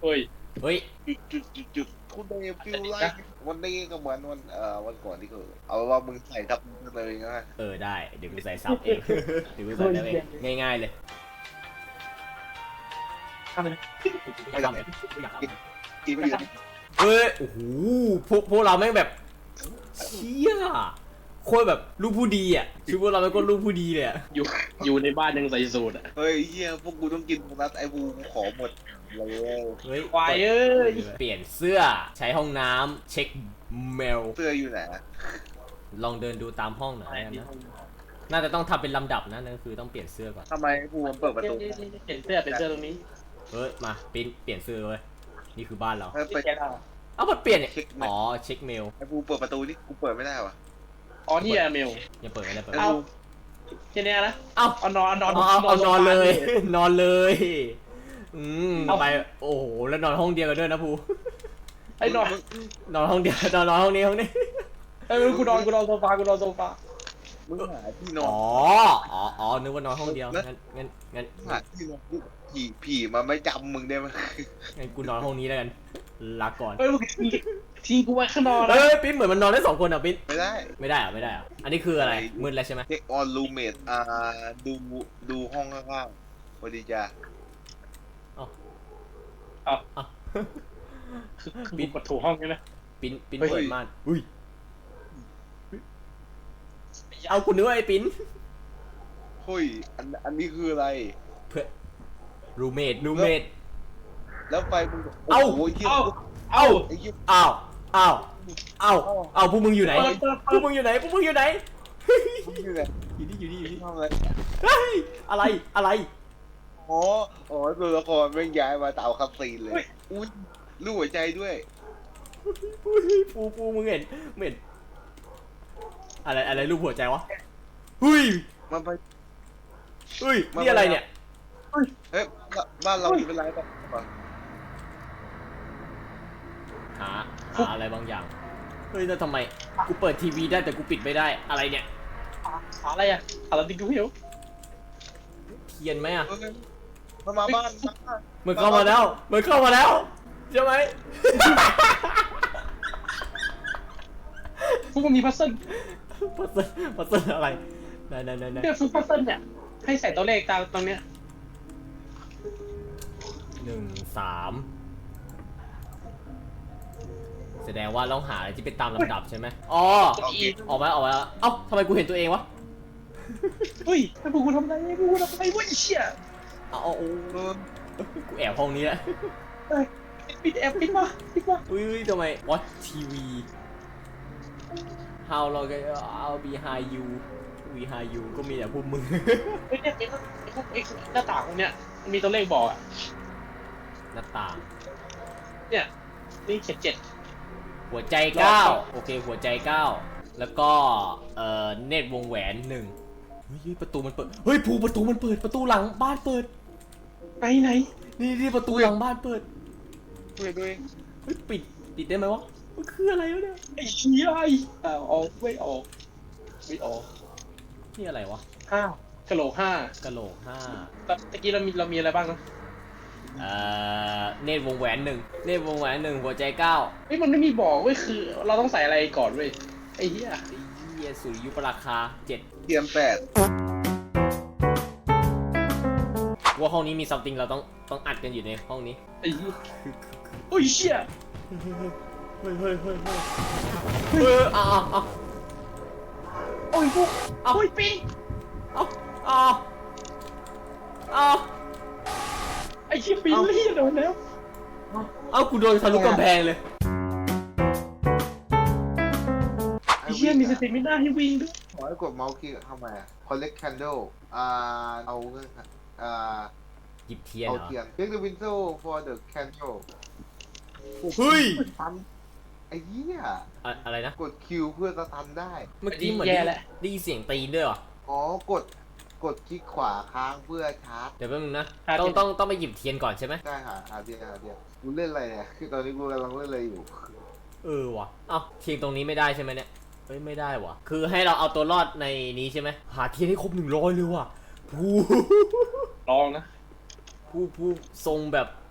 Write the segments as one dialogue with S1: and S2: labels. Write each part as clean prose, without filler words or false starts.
S1: ฮ้ย
S2: เฮ้ย
S3: จุดคุณเดฟิลไลท์วันนี้ก็เหมือนวันก่อนที่เขาเอาว่ามึงใส่ทับเลยนะ
S2: ได้เดี๋ยวกูใส่ซับเองเดี๋ยวกูใส่ได้เองง่ายๆเลย
S1: ทำเลย
S2: ไม่ทำเลย
S3: กินไม่อยู่
S2: เฮ้ยโอ้โหพวกเราแม่งแบบเชี่ยโคตรแบบลูกผู้ดีอ่ะคือพวกเราเป็นคนลูกผู้ดีเลยอ่ะ
S1: อยู่ในบ้านยังใส่สูตรอ่ะ
S3: เฮ้ยเฮียพวกกูต้องกินโบนัสไอ้บูขอหมดเลย
S2: เฮ้ย
S1: ควายเอ้ย
S2: เปลี่ยนเสื้อใช้ห้องน้ำเช็คเมล
S3: เสื้ออยู่ไหน
S2: ลองเดินดูตามห้องหน่อยนะน่าจะต้องทำเป็นลำดับนะนั่นคือต้องเปลี่ยนเสื้อก่อน
S3: ทำไมบูมันเปิดประตู
S1: เปลี่ยนเสื้อตรงนี้
S2: เฮ้ยมาเปลี่ยนเสื้อเลยนี่คือบ้านเรา
S3: เฮ้ยเปิด
S1: แกเอา
S2: เอ้ามันเปลี่ยนเนี่ยอ๋อเช็คเมล
S3: ไอ้บูเปิดประตูนี่กูเปิดไม่ได้วะ
S1: อ๋อนี่อะเมล
S2: ยังเปิดไม่ได้เปิด
S1: เอาแค่นี้นะ
S2: เอ้า
S1: เอานอน
S2: เอานอนเลย นอนเลยไปโอ้โหแล้วนอนห้องเดียวกันด้วยนะภู
S1: ไอ้นอน
S2: นอนห้องเดียวนอนห้องนี้ห้องนี้
S1: ไอ้กูนอนโซฟา
S3: มึงหาที่นอ
S2: อ๋อนึกว่านอนห้องเดียวงั้น
S3: หาที่นอนผีมันไม่จำมึงได้ไหม
S2: งั้นกูนอนห้องนี้แล้วกันลาก่อน
S1: เฮ้ยมึงทิ้งกูไว้ข้างนอกนะ
S2: เอ้ยปิ๊นเหมือนมันนอนได้2 คนอ่ะปิ๊น
S3: ไม่ได้
S2: ไม่ได้อ่ะอันนี้คืออะไรมืดแล้วใช่ไหม
S3: เช็คออนรูเมทดูห้องข้างๆสวัสดีจ้า
S1: ปิดประตูห้องใช่ไหม
S2: ปิ๊นเปิดม่านอุ้ยเอาคุณนึกว่าไอ้ปิ๊น
S3: เฮ้ยอันนี้คืออะไร
S2: เพื่อรูเมด
S3: แล้วไฟมึง
S2: เอ้า
S3: โอ้ยเหี้ย
S1: เอ้า
S3: ไอ้เหี้ย
S2: อ้าวพวกมึงอยู่ไหนพวกมึงอยู่ไหน
S3: มึงอยู่ไหน
S2: อยู่นี่
S3: ห้องอะไร
S2: เฮ้ยอะไร
S3: อ๋อตัวละครแม่งย้ายมาตามคับซีนเลยอุ้ยรูปหัวใจด้วย
S2: ปูมึงเห็นอะไรรูปหัวใจวะเฮ้ย
S3: มันไป
S2: นี่อะไรเนี่ย
S3: เฮ้ยบ้านเรามีเป็นไรบ้าง
S2: หาอะไรบางอย่างเฮ้ยแล้วทำไมกูเปิดทีวีได้แต่กูปิดไม่ได้อะไรเนี่ย
S1: อะไรอะอะไรติ๊กกูหิว
S2: เทียนไหมอ่ะ
S3: มันมาบ้าน
S2: มันเข้ามาแล้วใช่ไหม
S1: พวกมึงมีพัซเซิล
S2: พัซเซิลอะไรไหน
S1: เนี่ยฟุกพัซเซิลเนี่ยให้ใส่ตัวเลขตรงเนี้ย
S2: 1 3แสดงว่าต้องหาอะไรที่เป็นตามลำดับใช่ไหมอ๋อออกมาแล้วเอ้าทำไมกูเห็นตัวเองวะ
S1: เฮ้ยไอ้พวกกูทำอะไรวะไอ้เชี่ย
S2: เอากูแอบห้องนี้แหละ
S1: ปิดมา
S2: อุ้ยทำไม watch TV how long I'll behind you behind you ก็มีแต่พวกมึง
S1: เฮ้ยเนี่ยพวกหน้าต่างตรงเนี้ยมันมีตัวเลขบอกอะ
S2: หน้าต่าง
S1: เนี่ยนี่เขียน7
S2: หัวใจ9โอเคหัวใจ9แล้วก็เนตรวงแหวน1เฮ้ยประตูมันเปิดเฮ้ยประตูมันเปิดประตูหลังบ้านเปิด
S1: ไหน
S2: นี่ประตูหลังบ้านเปิด
S3: ด้วย
S2: เฮ้ยปิดได้ไหมวะมันคืออะไรวะเนี่ย
S1: ไอ้เชี่ยออกไม่ออก
S2: นี่อะไรวะ
S1: 5กะโหลก
S2: กะโหลก
S1: 5ตะกี้เรามีอะไรบ้างนะ
S2: 5เนตรวงแหวน1เนตรวงแหวน1หัวใจ9
S1: เฮ้ยมันไม่มีบอกเว้ยคือเราต้องใส่อะไรก่อนเว้ยไอ้เหี้ย
S2: เยสุริยุปราคา7
S3: เทียม8
S2: ว่าห้องนี้มี something เราต้องอัดกันอยู่ในห้องนี้
S1: ไอ้เหี้ยโอ้ยเชี่ย
S2: เฮ้ยเอา
S1: โอ้ยพวกโอ้ยปีไอ้เชี่ยปีลี่โดนแล้ว
S2: กูโดนทะลุกำแพงเลย
S1: ไอ้เชี่ยมีสเตมิน่าให้วิ่งด้วย
S3: ขอให้กดเมาส์คลิกเข้ามา collect candle เอา
S2: หยิบเทียน
S3: เอา
S2: เหรอ
S3: เทียน take the window for the candle
S2: เฮ้ย
S3: ตันไอ้เหี้ย
S2: อะไรนะ
S3: กดคิวเพื่อสตันได้
S2: เมื่อกี้เหมือนได้ยินเสียงตีนด้วยเหรอ
S3: อ๋อกดคลิกขวาค้างเพื่อชาร์จ
S2: เดี๋ยวแป๊บนึงนะต้องไปหยิบเทียนก่อนใช่ไหม
S3: ได้หาเทียนกูเล่นอะไรเนี่ยคือตอนนี้กูกำลังเล่นอะไรอยู่
S2: ว่ะเทียนตรงนี้ไม่ได้ใช่ไหมเนี่ยเฮ้ยไม่ได้ว่ะคือให้เราเอาตัวรอดในนี้ใช่ไหมหาเทียนให้ครบ100เลยว่ะผู้
S1: ลองนะ
S2: ผู้ทรงแบบ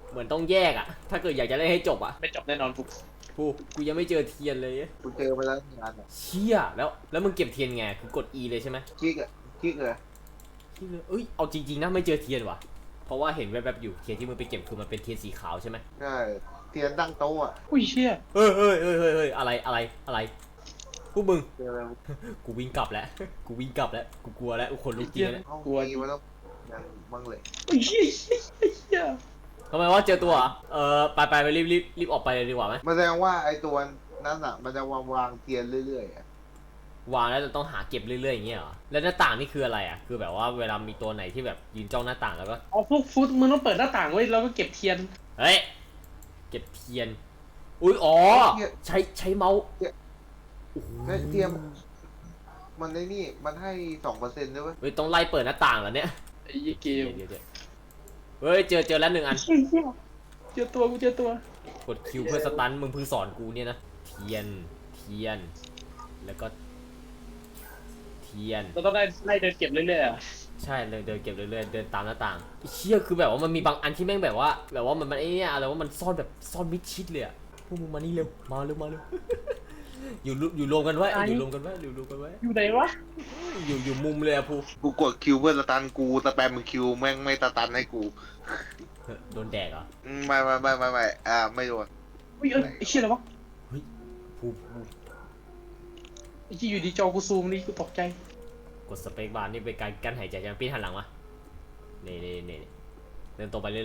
S2: เหมือนต้องแยกอะถ้าเกิดอยากจะเล่นให้จบอะ
S1: ไม่จบแน่นอนกู
S2: กูยังไม่เจอเทียนเลย
S3: กูเจอมาแล้วงานอ่ะ
S2: เชี่ยแล้วมึงเก็บเทียนไงคือกด E เลยใช่ไหม
S3: กิ๊กอ่ะกิ๊กเลย
S2: ที่เลยเอ้ยเอาจริงๆนะไม่เจอเทียนว่ะเพราะว่าเห็นแวบๆอยู่เทียนที่มึงไปเก็บคือมันเป็นเทียนสีขาวใช่ไหม
S3: ใช่เทียนตั้งโต๊ะอ่ะ
S1: อุ้ยเชี่ย
S2: เฮ้ยอะไรพวกมึง
S3: เจออะไร
S2: กูวิ่งกลับแล้วกูวิ่งกลับแล้วกูกลัวแล้วคนลุกจริงแล้ว
S3: ห้องมีมาแล้วยังบ้างเลย
S1: อุ้ยเชี่ยเชี่ย
S2: ทำไมว่าเจอตัวเหรอไปรีบออกไปเลยดีกว่าไหม
S3: มันแสดงว่าไอ้ตัวนั้นอ่ะมันจะวางเทียนเรื่อยๆอ่ะ
S2: วางแล้วจะต้องหาเก็บเรื่อยๆอย่างเงี้ยเหรอแล้วหน้าต่างนี่คืออะไรอ่ะคือแบบว่าเวลามีตัวไหนที่แบบยืนจ้องหน้าต่างแล้วก็
S1: อ๋อพวกฟุตมึงต้องเปิดหน้าต่างไว้แล้วก็เก็บเทียน
S2: เฮ้ยเก็บเทียนอุ้ยอ๋อใช้เมาส์โอ้โห
S3: ไอ้เทียมมันในนี่มันให้2%ด้วยเว้ย
S2: เฮ้ยต้องไล่เปิดหน้าต่างเหรอเนี่ย
S1: ไอ้ยี่เกม
S2: เดี๋ยวเฮ้ยเจอแล้ว1 อัน
S1: เชี่ยเชี่ยเจอตัวกูเจอตัว
S2: กดคิวเพื่อสตันมึงเพิ่งสอนกูเนี่ยนะเทียนแล้วก็เทียน
S1: เราต้องได้ไล่เดินเก็บเรื่อยๆอ่ะ
S2: ใช่เลยเดินเก็บเรื่อยๆเดินตามหน้าต่างไอ้เชี่ยคือแบบว่ามันมีบางอันที่แม่งแบบว่ามันไอ้เนี่ยอะไรว่ามันซ่อนแบบซ่อนมิดชิดเลยอะพวกมึงมานี่เร็วมาเร็ว อยู่รวมกันไว้อยู่รวมกันไว้
S1: อยู่ไหนวะ
S2: อยู่มุมเลยอะพู
S3: กูกดคิวเพื่อสตันกูสแปมมึงคิวแม่งไม่สตันให้กู
S2: โดนแดกเหรอ
S3: ไม่ไม่โดน
S1: อุ้ยไอ้เชี่ยอะไรวะ
S2: พู
S1: ไอ้ที่อยู่ดีจอกูซูมนี่กูตกใจ
S2: กดสเปคบาร์นี่เป็นการกั้นหายใจจะปีนหันหลังมานี่เดินตรงไปเรื่อย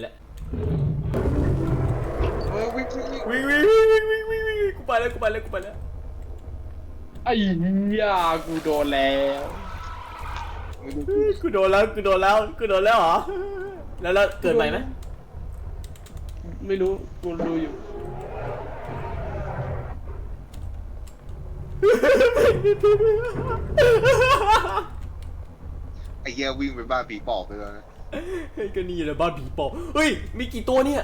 S3: วิ่ง
S2: ๆกูไปแล้ว
S1: ไอ้เหี้ยกูโดนแล้ว
S2: กูโดนแล้วเหรอแล้วเกิดใหม่ไหม
S1: ไม่รู้กูดูอยู่
S3: ไอ้เหี้ยวิ่งไปบ้านผีปอบไปแล้วนะ
S2: เฮ้ยก็นี่แหละบ้านผีปอบเฮ้ยมีกี่ตัวเนี่ย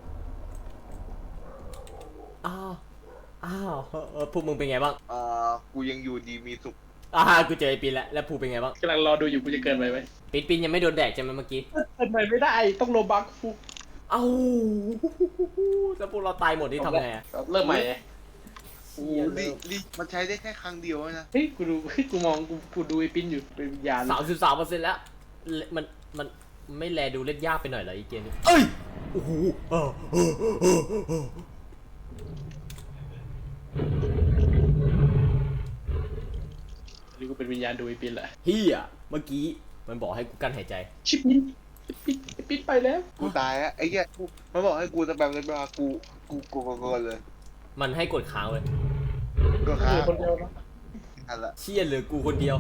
S2: อ้าวพวกมึงเป็นไงบ้าง
S3: กูยังอยู่ดีมีสุข
S2: กูเจอไอ้ปินแล้วภูเป็นไงบ้าง
S1: กำลังรอดูอยู่กูจะเกินไปไหม
S2: ปินยังไม่โดนแดกใช่ไหมเมื่อกี้
S1: เกินไปไม่ได้ต้องโลบักฟู
S2: เอ้าแล้วพวกเราตายหมดนี่ทำไงอะ
S1: เริ่มใหม่ไง
S3: ลิมันใช้ได้แค่ครั้งเดียวนะ
S1: เฮ้ยกูดูเฮ้ยกูมองกูดูไอ้ปิ้นอยู่เป็นวิญญาณ
S2: 33%แล้วมันไม่แลดูเล่นยากไปหน่อยเหรอไอ้เกมนี้เอ้ยโอ้โห
S1: นี่กูเป็นวิญญาณดูไอ้ปิ้นแหละ
S2: เฮียเมื่อกี้มันบอกให้กูกั้นหายใจ
S1: ชิปปิ้นไอ้ปิ้นไปแล้ว
S3: กูตายอะไอ้เหี้ยมันบอกให้กูสแปมเลยมากูเลย
S2: มันให้กดค้างเลย
S3: ก็
S1: เห
S3: ค้า
S1: ลือคนเดียวนะ
S3: อันละ
S2: เชี่ยเหลือกูคนเดียว